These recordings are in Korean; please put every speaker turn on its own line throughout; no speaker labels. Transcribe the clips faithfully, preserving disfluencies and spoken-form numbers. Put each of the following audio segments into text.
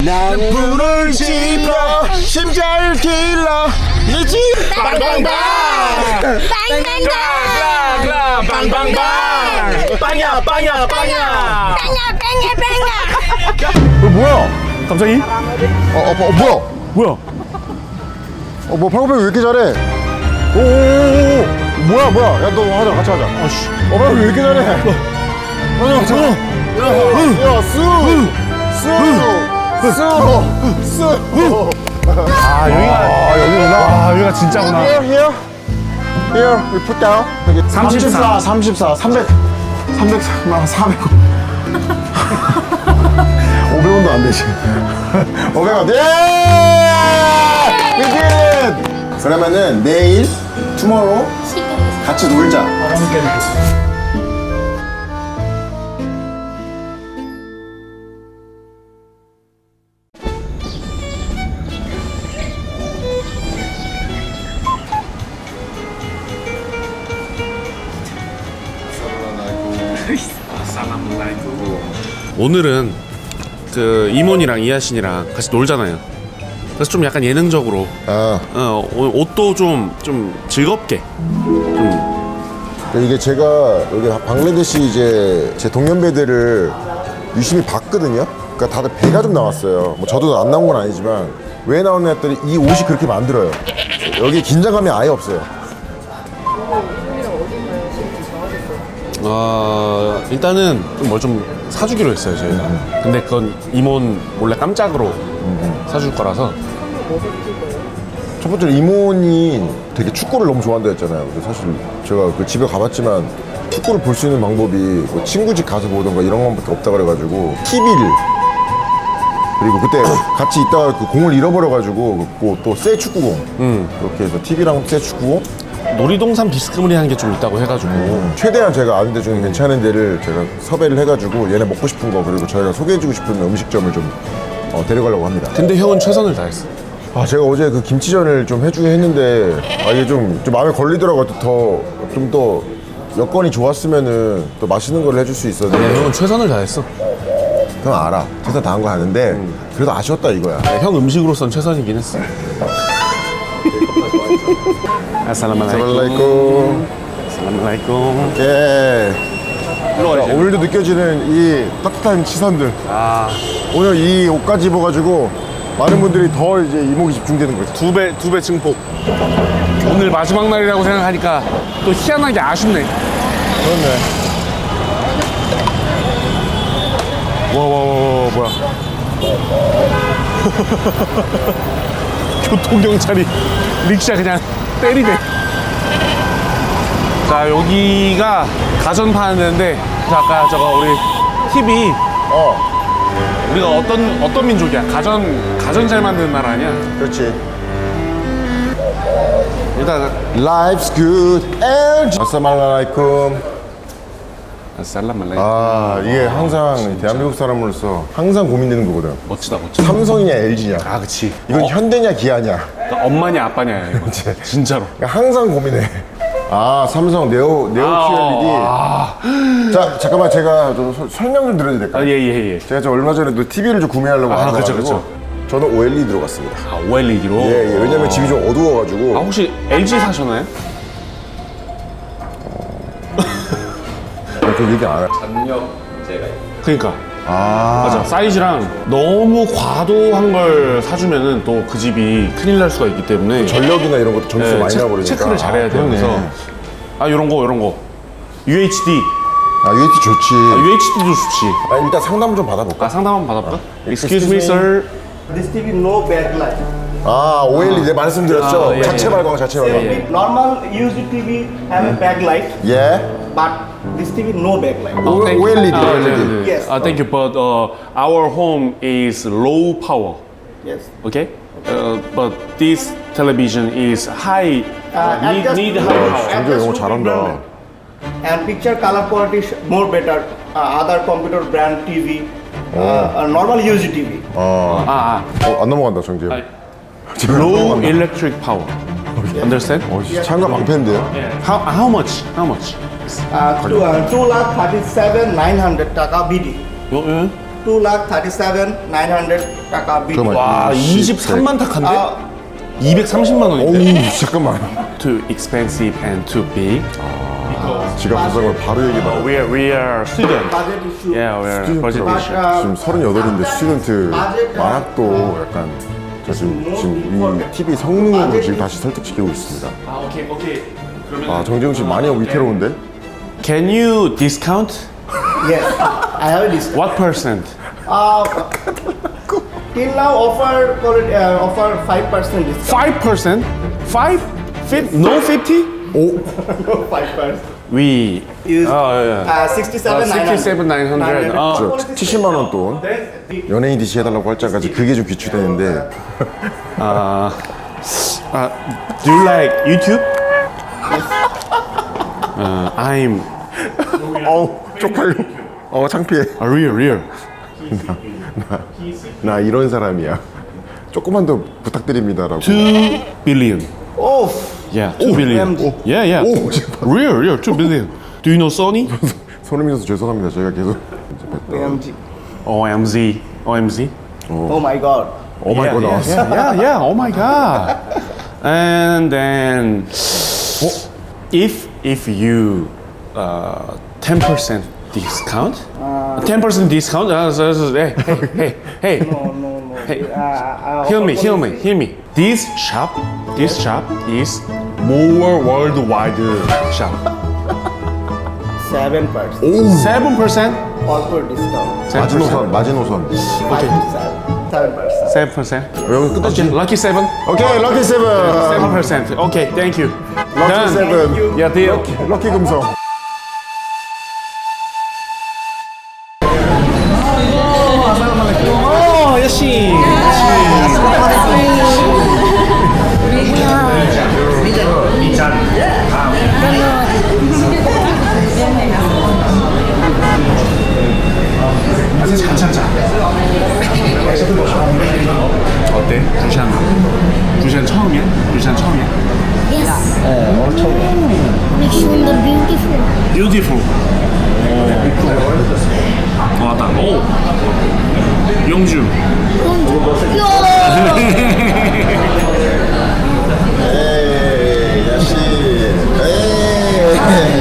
나는 불을 지펴 심장을 길러 니지 빵빵빵 빵빵빵 빵빵빵 빵야 빵야 빵야
어, 뭐야?
갑자기?
어, 어, 어 뭐야?
뭐야?
어, 뭐 팔굽혀 왜 이렇게 잘해? 오오오오 뭐야 뭐야? 야 너 하자 같이 하자.
아씨.
어 팔굽혀 왜 이렇게 잘해? 하자 같이 하자. 야 수, 수, 수, 수.
아 여기가
아 여기구나.
아 여기가 진짜구나.
Here, here, here. We put down. 여기
삼십사.
삼십사, 삼백, 삼백, 사백. 오백 원도 안 되지. 오백 원. 예! We did it! 그러면은 내일, tomorrow 같이 놀자.
오늘은 그 이몬이랑 이하신이랑 같이 놀잖아요. 그래서 좀 약간 예능적으로
아,
어, 오- 옷도 좀 좀 즐겁게
이게 제가 여기 방글라데시 이제 제 동년배들을 유심히 봤거든요. 그러니까 다들 배가 좀 나왔어요. 뭐 저도 안 나온 건 아니지만 왜 나왔냐 했더니 이 옷이 그렇게 만들어요. 여기 긴장감이 아예 없어요.
어, 일단은 뭘 좀 사주기로 했어요 저희가. 근데 그건 이몬 몰래 깜짝으로 사줄 거라서.
첫 번째로 이모니 되게 축구를 너무 좋아한다 했잖아요. 근데 사실 제가 그 집에 가봤지만 축구를 볼 수 있는 방법이 뭐 친구 집 가서 보던가 이런 것밖에 없다 그래가지고 티비를 그리고 그때 같이 있다가 그 공을 잃어버려가지고 또 새 축구공 이렇게 해서 티비랑 새 축구공
놀이동산 비스무리한 게 좀 있다고 해가지고
최대한 제가 아는 데 중에 괜찮은 데를 제가 섭외를 해가지고 얘네 먹고 싶은 거 그리고 저희가 소개해주고 싶은 음식점을 좀 어, 데려가려고 합니다.
근데 형은 최선을 다했어.
아 제가 어제 그 김치전을 좀 해주긴 했는데 아 이게 좀, 좀 마음에 걸리더라고요. 더 좀 더 여건이 좋았으면은 또 맛있는 걸 해줄 수
아니,
있었는데
형은 최선을 다했어.
그건 알아. 최선 다한 거 아는데 그래도 아쉬웠다 이거야.
네, 형 음식으로선 최선이긴 했어. 아살라말라이쿰.
살라이쿰.
아살라말라이쿰.
예.
일로
자,
와야지.
오늘도 느껴지는 이 따뜻한 시선들.
아,
오늘 이 옷까지 입어가지고 많은 분들이 더 이제 이목이 집중되는 거지.
두 배, 두 배 증폭. 오늘 마지막 날이라고 생각하니까 또 희한하게 아쉽네.
그렇네.
와, 와, 와, 와, 뭐야. 교통경찰이 릭샤 그냥 때리네. 자, 여기가 가전 파는 데인데, 아까 저거 우리 팁이
어,
우리가 어떤, 어떤 민족이야? 가전, 가전 잘 만드는 나라 아니야?
그렇지.
일단,
Life's good and 아싸말라이쿰.
살라말라이.
아 이게 항상 대한민국 사람으로서 항상 고민되는 거거든.
멋지다, 멋지다.
삼성이냐 엘지냐.
아, 그치.
이건
어,
현대냐 기아냐.
그러니까 엄마냐, 아빠냐, 이거. 진짜로.
그러니까 항상 고민해. 아 삼성 네오 네오
아,
큐엘이디.
아,
자 잠깐만 제가 좀 서- 설명 좀 드려도 될까요?
아, 예, 예, 예.
제가 저 얼마 전에도 티비를 좀 구매하려고
아, 그쵸,
알아봐가지고
그쵸.
저는 오엘이디 들어갔습니다.
아, 오엘이디로?
예, 예. 왜냐면 집이 좀 어두워가지고.
아, 혹시 엘지 사셨나요?
아, 그 얘기 안 해.
그니까.
아,
맞아. 사이즈랑 너무 과도한 걸 사주면은 또 그 집이 큰일 날 수가 있기 때문에
전력이나 이런 것도 점수
네,
많이
체,
나버리니까.
체크를 잘해야 돼요.
아, 그러네.
그래서 아, 요런 거, 요런 거. 유에이치디.
아, 유에이티 좋지.
아, 유에이치디도 좋지.
아, 일단 상담을 좀 받아볼까?
아, 상담 한번 받아볼까?
Excuse
Excuse me,
me.
sir.
This T V no backlight.
아, 오엘이디 내 말씀드렸죠?
아, 예,
자체
예.
발광, 자체 발광.
예, 예.
Normal used T V have a backlight,
예.
but this T V no backlight.
오-
Thank-
오엘이디,
아,
오엘이디.
네, 네.
Yes.
아, thank you, but uh, our home is low power.
Yes.
Okay? Uh, but this television is high.
Uh,
need,
adjust-
need high power.
정규 영어 잘한다.
And picture color quality is more better. Uh, other computer brand T V, uh, uh, normal used T V.
어,
아, 아.
어, 안 넘어간다, 정재.
아, low electric power. Understand?
어, 창가 방패인데요?
How how much? How much?
Uh, two, uh, two lakh thirty-seven nine hundred taka B D.
어, 예?
two lakh thirty-seven nine hundred taka B T.
잠깐만.
와, 이십삼만 탁한데? 이백삼십만 원인데?
오우 잠깐만.
Too expensive and too big.
지갑 사정을 바로 얘기해.
We are, we are student.
Budget issue.
Yeah, we are budget
But,
issue.
uh,
지금 서른여덟인데 스튜던트 만학도 약간 저 지금, 지금 이 티비 성능으로 지금 다시 설득시키고 있습니다.
아, 오케이, 오케이.
아 정재웅 씨 많이 위태로운데?
Can you discount?
Yes, I have a discount.
What percent?
Uh, till now offer uh, offer five percent discount.
five percent? five? Fif- no fifty?
오
five percent.
We.
Is
Oh, yeah.
uh, sixty-seven nine hundred.
sixty-seven nine hundred. 어.
저 칠십만 원 돈 연예인 디씨 해달라고 할 때까지 그게 좀 귀추되는데
Uh, uh, do you like YouTube? Uh, I'm
어우 쪽팔려. 어 창피해.
a real, real.
나 이런 사람이야. 조금만 더 부탁드립니다라고.
two billion.
Oh,
Yeah, two billion.
O M G.
Yeah, yeah.
오 제발.
Real, real, two billion. Do you know Sony?
손흥민 선수 죄송합니다. 제가 계속
O M G.
O M Z. O M Z?
Oh my God.
어마이 거 나왔어.
Yeah, yeah, yeah. Oh my god. And then, if if you uh ten percent discount, ten percent discount. Uh, so, so, hey, hey, hey, hey.
No, no, no.
Hey.
Uh, uh,
Hear me,
offer
hear me,
policy.
hear me. This shop, this shop is more worldwide shop.
Seven percent.
Seven percent.
Corporate discount.
마지노선 마지노선.
Five to seven. Seven percent.
Seven percent.
여기 끝났지?
Okay, lucky seven.
오케이 럭키 세븐.
Seven percent. Okay, thank you.
럭키
Done.
세븐.
Yeah, deal.
럭키 금성.
Oh, 여신. 어때? 부산. 부산 처음이야? 부산 처음이야?
Yes. অনেক সুন্দর beautiful
Beautiful. 오. 왔다. 오. 영주.
에이 야씨. 에이.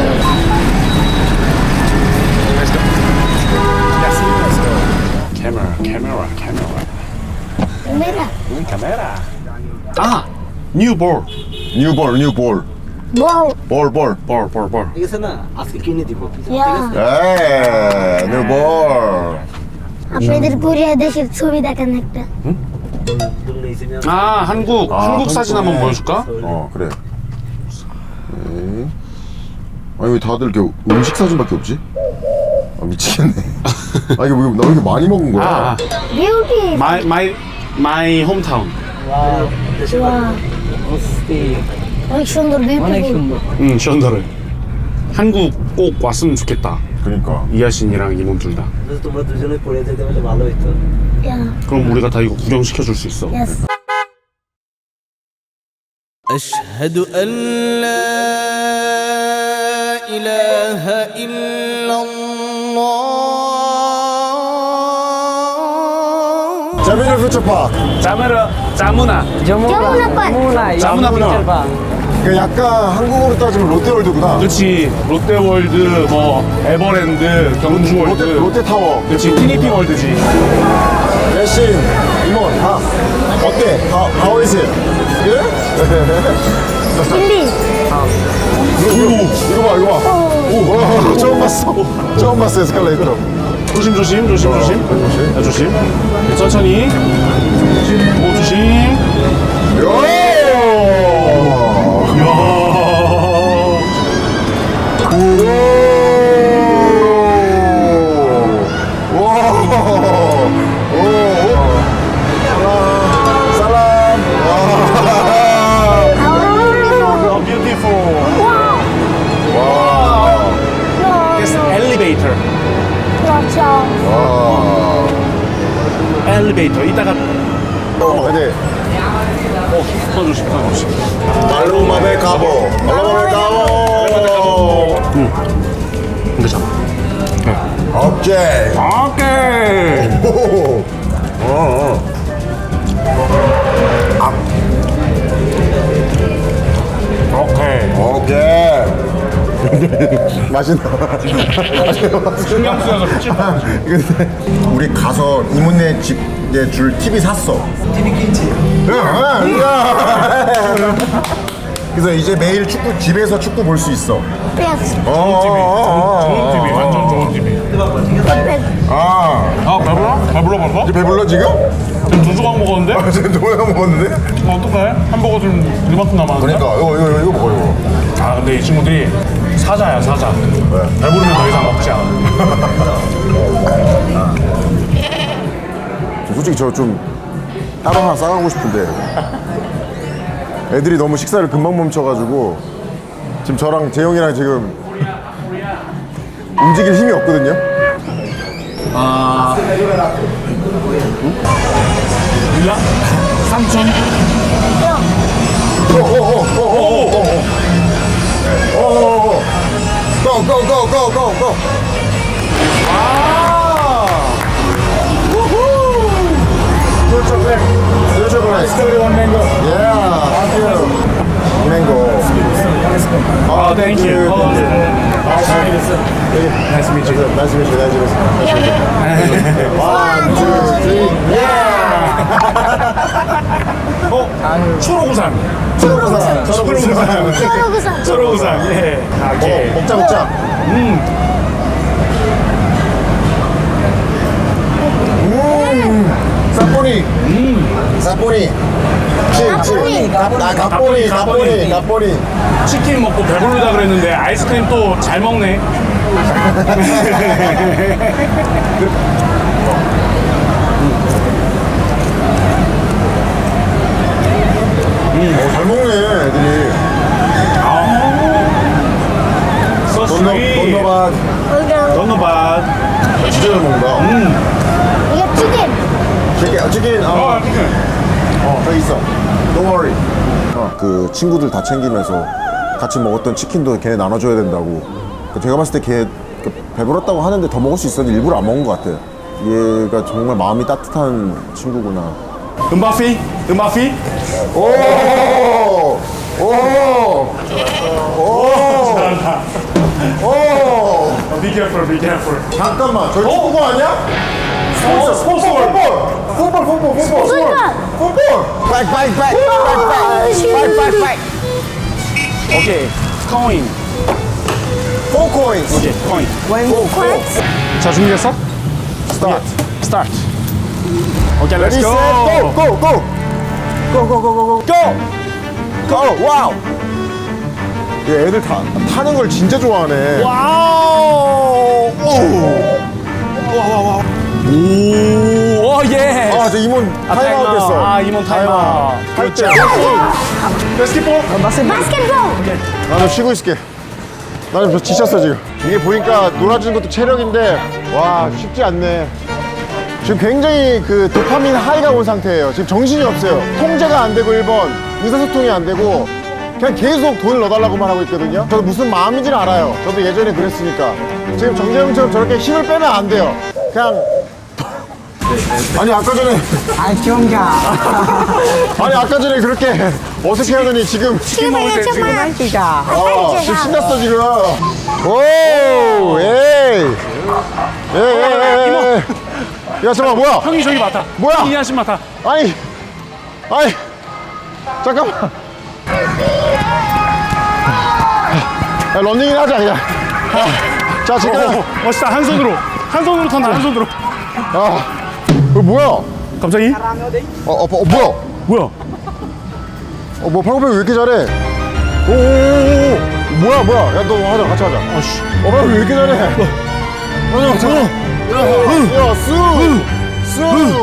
Camera, camera, camera.
মেরা
Camera. Ah, new ball.
뉴볼 뉴볼.
Ball
볼 볼.
Ball, ball, ball.
ঠিক আছে না আজকে কিনে দিব
ইয়া
에이 뉴볼.
আপনাদের কোরিয়া দেশের ছবি দেখেন একটা
아, 한국, 한국 사진 한번 보여줄까?
어 그래. 에이. 아니 왜 다들 이렇게 음식 사진밖에 없지? 아 미치겠네. 아 이게 왜 나 이렇게 많이 먹은 거야?
아, 아.
Beauty
my, my, my hometown.
অনেক সুন্দর
অনেক
বিউটিফুল
সুন্দর
응, 션더를. 한국 꼭 왔으면 좋겠다.
그러니까.
이하신이랑 이몸 둘 다.
যদি তোমরা দুজনে পড়ে যেতে পারলে ভালো হতো
yeah
그럼 우리가 다 이거 구경시켜줄 수 있어.
Yes
أشهد أن لا إله إلا الله
자비를 퓨처파크.
짜메라, 짜무나.
Yamuna park
짜무나 피처 봐.
그 약간 한국으로 따지면 롯데월드구나.
그렇지. 롯데월드, 뭐 에버랜드, 경주월드.
롯데, 롯데타워.
그렇지. 티니핑 월드지.
야신 이모 다 어때? How, how is it? Good?
Delhi
이거, 이거 봐 이거 봐. 오, 와, 처음 봤어. 처음 봤어 에스컬레이터.
조심, 조심, 조심, 조심. 자, 조심. 천천히. 오, 조심.
요!
이야.
오! 와! 오! 살람! 와!
Oh, beautiful. Yes, elevator.
그렇죠
와!
엘리베이터. 이따가
근데
어, 서 조심, 서 조심.
말로마베 가보. 말로마베 가보.
응. 이거 잡아. 네.
오케이.
오케이.
오. 어. 어.
오케이.
오케이. 맛있나?
신경 쓰여서 미칠 것 같아.
근데 우리 가서 이모네 집에 줄 티비 샀어.
티비 킨치.
그래서 이제 매일 축구 집에서 축구 볼 수 있어.
예스.
좋은 티비, 완전 좋은 티비.
아,
아, 배불러? 배불러 벌써?
이제 배불러 지금?
지금 두 조각 먹었는데?
아, 지금 노예가 먹었는데?
어, 어떡해? 햄버거 지금 이만큼 남았는데?
그러니까 이거 이거 이거 먹어 이거.
아, 근데 이 친구들이 사자야, 사자. 배부르면 더 이상 먹지 않아.
솔직히 저 좀 따로 하나 싸가고 싶은데 애들이 너무 식사를 금방 멈춰가지고 지금 저랑 재영이랑 지금 움직일 힘이 없거든요.
몰라? 삼촌?
고고고고고고. Good chocolate. Good chocolate.
one mango.
Yeah. Thank you. Mango.
아, 땡큐.
Nice to meet you. Nice to meet you. Nice to meet you. One, two, three.
어? 초록우산.
초록우산. 초록우산.
초록우산.
초록우산. 예. 아, 오케이.
어, 먹자 먹자. 음. 음. 사포니. 음. 사포니. 칠, 칠. 나 가포니, 가포니, 가포니.
치킨 먹고 배부르다 그랬는데 아이스크림 또 잘 먹네.
어, 잘 먹네 애들이.
So
돈너
sweet.
돈너밭.
Don't know bad.
진짜 잘 먹는다.
이게 치킨.
치킨, 치킨.
어,
어,
치킨.
어, 저기 있어. Don't worry. 어, 그 친구들 다 챙기면서 같이 먹었던 치킨도 걔네 나눠줘야 된다고. 그 제가 봤을 때 걔 배불렀다고 하는데 더 먹을 수 있었는데 일부러 안 먹은 것 같아. 얘가 정말 마음이 따뜻한 친구구나.
음바피? 음바피?
오! 오! 오!
잘한다.
오!
Be careful, be careful.
잠깐만, 저기 축구공 아니야?
스포츠, 스포츠.
풋볼, 풋볼, 풋볼, 풋볼,
풋볼!
풋볼. 백, 백, 백, 백, 백, 백.
오케이. 코인.
Four coins.
오케이, 코인.
Four, four.
자, 준비됐어?
Start.
스타트. 오케이, 렛츠
Ready,
고.
set, go, go, go. Go, go, go, go, go. Go. Go. 와우. 얘 애들 다 타는 걸 진짜 좋아하네.
와우. 와와와. 오, 오, 예.
아, 저 이몬
아,
타임아웃 됐어.
아, 이몬 타임아웃.
할 때.
바스켓볼.
바스켓볼.
나도 쉬고 있을게. 나는 저 지쳤어 지금. 이게 보니까 놀아주는 것도 체력인데 와 쉽지 않네. 지금 굉장히 그 도파민 하이가 온 상태예요. 지금 정신이 없어요. 통제가 안 되고 일 번 의사소통이 안 되고 그냥 계속 돈을 넣어달라고만 하고 있거든요. 저도 무슨 마음인지는 알아요. 저도 예전에 그랬으니까. 지금 정재형처럼 저렇게 힘을 빼면 안 돼요. 그냥 아니 아까 전에
아, 경가.
아니 아까 전에 그렇게 어색해 하더니 지금
치킨 먹을 때 지금.
기가.
어, 지금 신났어 지금. 오, 에이, 에이, 에이, 에이. 야 잠깐 뭐야?
형이 저기 맡아.
뭐야?
형이 이하신 맡아.
아니, 아니, 잠깐만. 야, 런닝이나 하자 그냥. 자 지금
어, 멋있다. 한 손으로. 한 손으로 탄다. 한 손으로.
아, 이거 뭐야?
갑자기?
어, 어, 어 뭐야?
뭐야?
어, 뭐 팔굽혀 왜 이렇게 잘해? 오, 오, 오, 오. 뭐야, 뭐야? 야, 너 하자, 같이 하자.
아씨.
어, 팔굽혀 왜 이렇게 잘해? 하자, 자. 야, 수, 수.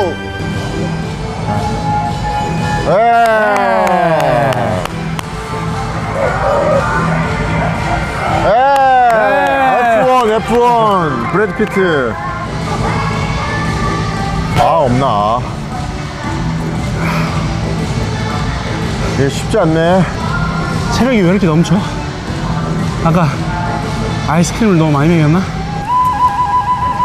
에이, 에프 원, 에프 원, 브래드 피트. 아, 없나? 이게 쉽지 않네.
체력이 왜 이렇게 넘쳐? 아까 아이스크림을 너무 많이 먹였나?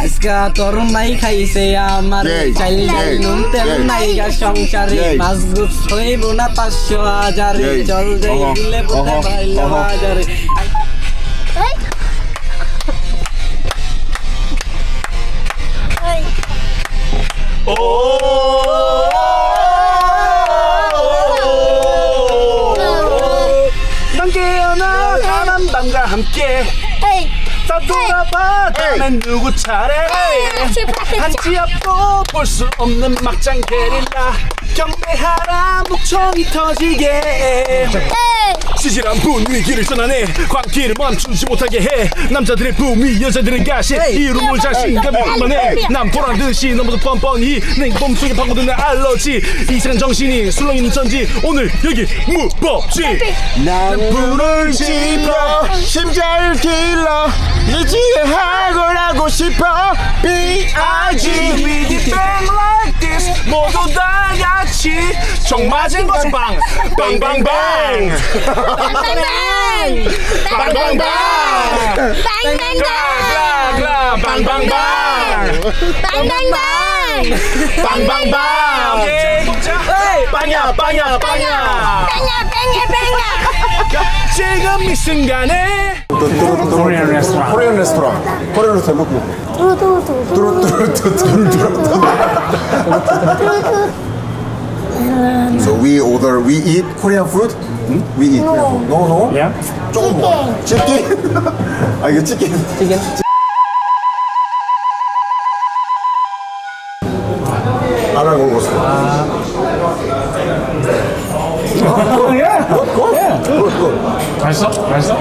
আজকা তোর নাই খাইছে আমার
এই,
চাইল ডাল
এই,
নুন তেল
এই,
নাই গা সংসারে
এই।
মাছ গুছ হইব না পাঁচশো হাজারে
এই,
চল যাই
অহ,
দিলে বুঝতে
অহ,
পারল
অহ।
হাজারে
এই। এই।
난 깨어나 가난 밤과 함께
এই।
다 돌아봐 다음엔 누구 차례 한치 앞도 볼 수 없는 막장 게릴라 경배하라 목청이 터지게 시질한 분위기를 전환해 광기를 멈추지 못하게 해 남자들의 붐이 여자들의 가시 이rum을 자신감에 만해 난 보란듯이 너무도 뻔뻔히 내 몸속에 파고드는 알러지 이상한 정신이 술렁이는 전지 오늘 여기 무법지
난 불을 지펴 심장을 길러 네 지혜하고 하고 싶어
B.I.G. We did bang like this 모두 다 같이 총 맞은 것은 빵 빵빵빵 빵빵빵 글라 빵빵빵 빵빵빵 오케이 빵야 빵야 빵야 지금 이 순간에 코리안 레스토랑
코리안 레스토랑 코리안 레스토랑 먹고
뚜루뚜루뚜루.
뚜루뚜루뚜루뚜루 So we order, we eat Korean food? We eat Korean food. No, no?
Yeah?
조금 뭐? 치킨? 아 이거 치킨
chicken
하나 먹었어
맛있어? 맛있어?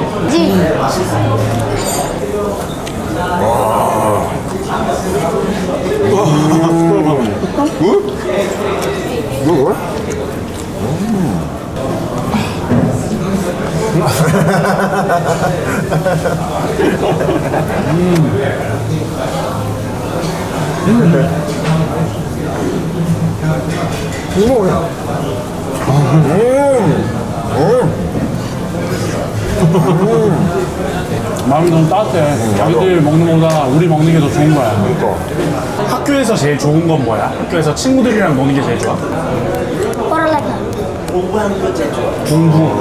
굿? 굿? 이거 뭐야?
마음이 너무 따뜻해. 자기들 먹는 거보다 우리 먹는 게 더 좋은 거야. 학교에서 제일 좋은 건 뭐야? 학교에서 친구들이랑 노는 게 제일 좋아?
পড়ালেখা।
공부.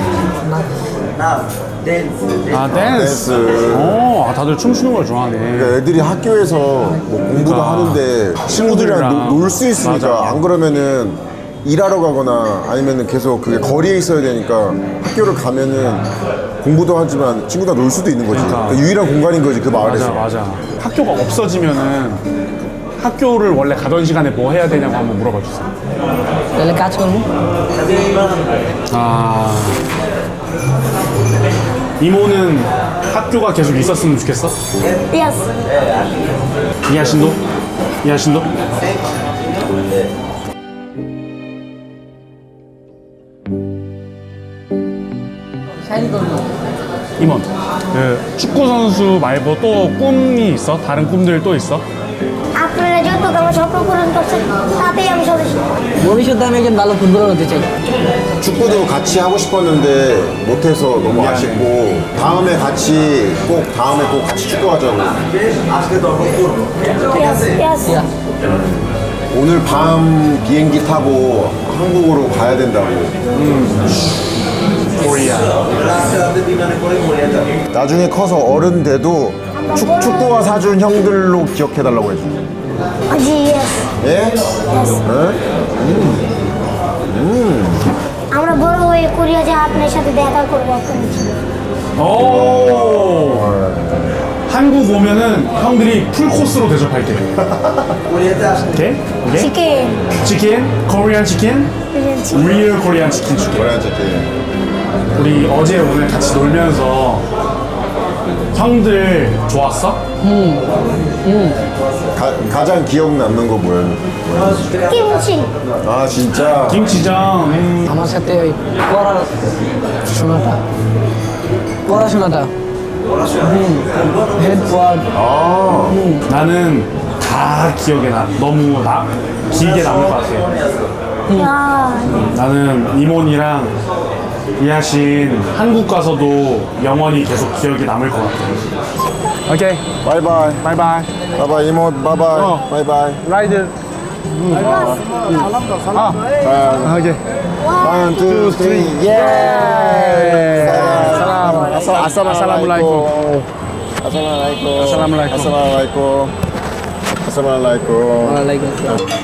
아 댄스.
댄스.
오, 아, 다들 춤추는 걸 좋아하네.
그러니까 애들이 학교에서 뭐 공부도
그러니까.
하는데 친구들이랑 놀 수 있으니까
맞아.
안 그러면은 일하러 가거나 아니면은 계속 그게 거리에 있어야 되니까 학교를 가면은 공부도 하지만 친구들과 놀 수도 있는 거지.
그러니까.
그러니까 유일한 공간인 거지 그 마을에서.
맞아, 맞아. 학교가 없어지면은 학교를 원래 가던 시간에 뭐 해야 되냐고 한번 물어봐 주세요.
তাহলে কাজ করবো
아. 이모는 학교가 계속 있었으면 좋겠어?
Yes.
이하신도? 이하신도? 임원, 그 축구 선수 말고 또 꿈이 있어? 다른 꿈들 또 있어?
আপনারা যতটুকু আমার স্বপ্ন পূরণ করছেন তাতেই আমি সন্তুষ্ট।
ভবিষ্যতে আমি একজন ভালো ফুটবলার হতে চাই
축구도 같이 하고 싶었는데 못해서 너무
미안해.
아쉽고 다음에 같이 꼭 다음에 꼭 같이 축구하자고.
Yes. Yes.
오늘 밤 비행기 타고 한국으로 가야 된다고.
코리아.
나중에 커서 어른 돼도 축, 축구화 사준 형들로 기억해달라고 해줘.
জি yes.
예?
আমরা বড় হয়ে কোরিয়া যে আপনার সাথে দেখা করবো আপনার
오. 한국 오면은 형들이 풀 코스로 대접할게. 오케이? 오케이?
চিকেন
치킨, 코리안 치킨, 리얼 코리안 치킨 줄게.
뭐라 저기
우리 어제 오늘 같이 놀면서 형들 좋았어?
가, 가장 기억 남는 거 뭐야?
কিমচি
아 진짜?
김치전. 음.
আমার সাথে ওই পড়াশোনাটা পড়াশোনাটা head word
아
나는 다 기억에 나. 너무 나, 길게 남을 것 같아.
야,
나는 이몬이랑 이하신 한국 가서도 영원히 계속 기억이 남을 것 같아.
오케이.
바이바이.
바이바이.
바이바이 이모 바이바이.
어.
바이바이.
라이드. 아, 오케이.
One, two, three, yeah!
사람.
Assalamualaikum. Assalamualaikum.
Assalamualaikum.
Assalamualaikum. Assalamualaikum.
ওয়ালাইকুম আসসালাম।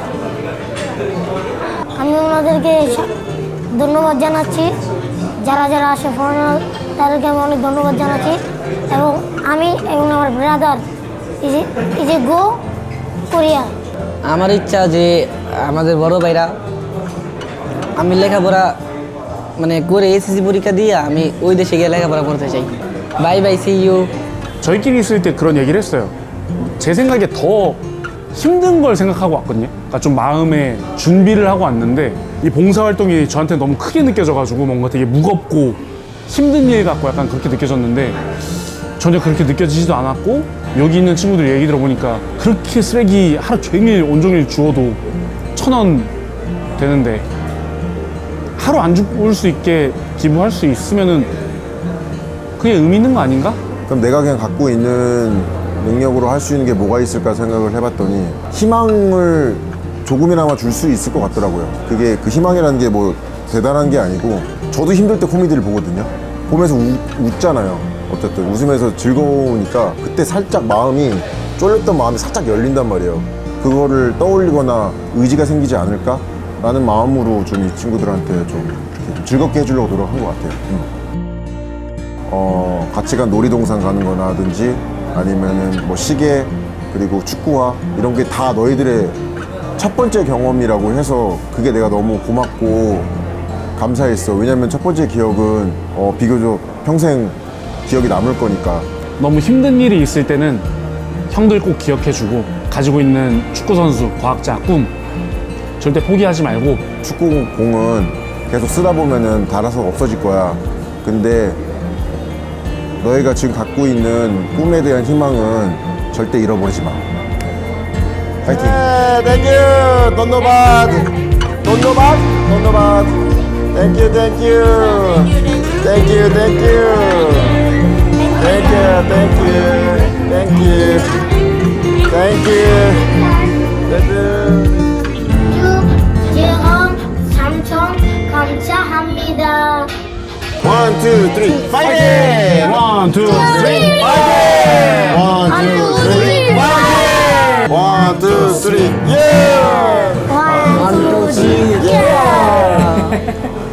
আমি ওনাদেরকে সা- ধন্যবাদ জানাচ্ছি, যারা যারা আসে ফরেনার তাদেরকে আমি অনেক ধন্যবাদ জানাচ্ছি, এবং আমি এবং আমার brother is is a go Korea.
আমার ইচ্ছা যে আমাদের বড় ভাইরা, আমি লেখাপড়া মানে করে এসএসসি পরীক্ষা দিয়ে আমি ওই দেশে গিয়ে লেখাপড়া করতে চাই। Bye bye, see you.
저희끼리 있을 때 그런 얘기를 했어요. 제 생각에 더 힘든 걸 생각하고 왔거든요. 그러니까 좀 마음에 준비를 하고 왔는데 이 봉사활동이 저한테 너무 크게 느껴져가지고 뭔가 되게 무겁고 힘든 일 같고 약간 그렇게 느껴졌는데 전혀 그렇게 느껴지지도 않았고, 여기 있는 친구들 얘기 들어보니까 그렇게 쓰레기 하루 종일 온종일 주워도 천 원 되는데 하루 안 죽을 수 있게 기부할 수 있으면은 그게 의미 있는 거 아닌가?
그럼 내가 그냥 갖고 있는 능력으로 할 수 있는 게 뭐가 있을까 생각을 해봤더니 희망을 조금이나마 줄 수 있을 것 같더라고요. 그게 그 희망이라는 게 뭐 대단한 게 아니고, 저도 힘들 때 코미디를 보거든요. 보면서 우, 웃잖아요. 어쨌든 웃으면서 즐거우니까 그때 살짝 마음이, 쫄렸던 마음이 살짝 열린단 말이에요. 그거를 떠올리거나 의지가 생기지 않을까? 라는 마음으로 좀 이 친구들한테 좀, 이렇게 좀 즐겁게 해주려고 노력한 것 같아요. 음. 어, 같이 간 놀이동산 가는 거나 하든지 아니면은 뭐 시계, 그리고 축구화, 이런 게 다 너희들의 첫 번째 경험이라고 해서 그게 내가 너무 고맙고 감사했어. 왜냐면 첫 번째 기억은 어, 비교적 평생 기억이 남을 거니까.
너무 힘든 일이 있을 때는 형들 꼭 기억해주고, 가지고 있는 축구선수, 과학자, 꿈 절대 포기하지 말고.
축구공은 계속 쓰다 보면은 닳아서 없어질 거야. 근데 너희가 지금 갖고 있는 꿈에 대한 희망은 절대 잃어버리지 마. 파이팅! 네, 땡큐! 돈노밭! 돈노밭! 돈노밭! 땡큐, 땡큐! 땡큐, 땡큐! 땡큐, 땡큐! 땡큐! 땡큐! 땡큐!
제가 삼천 감사합니다.
원, 투, 쓰리, 파이팅!
원, 투, 쓰리.
원, 투, 쓰리, 파이팅! 원, 투, 쓰리, 예!
원, 투, 쓰리, 예!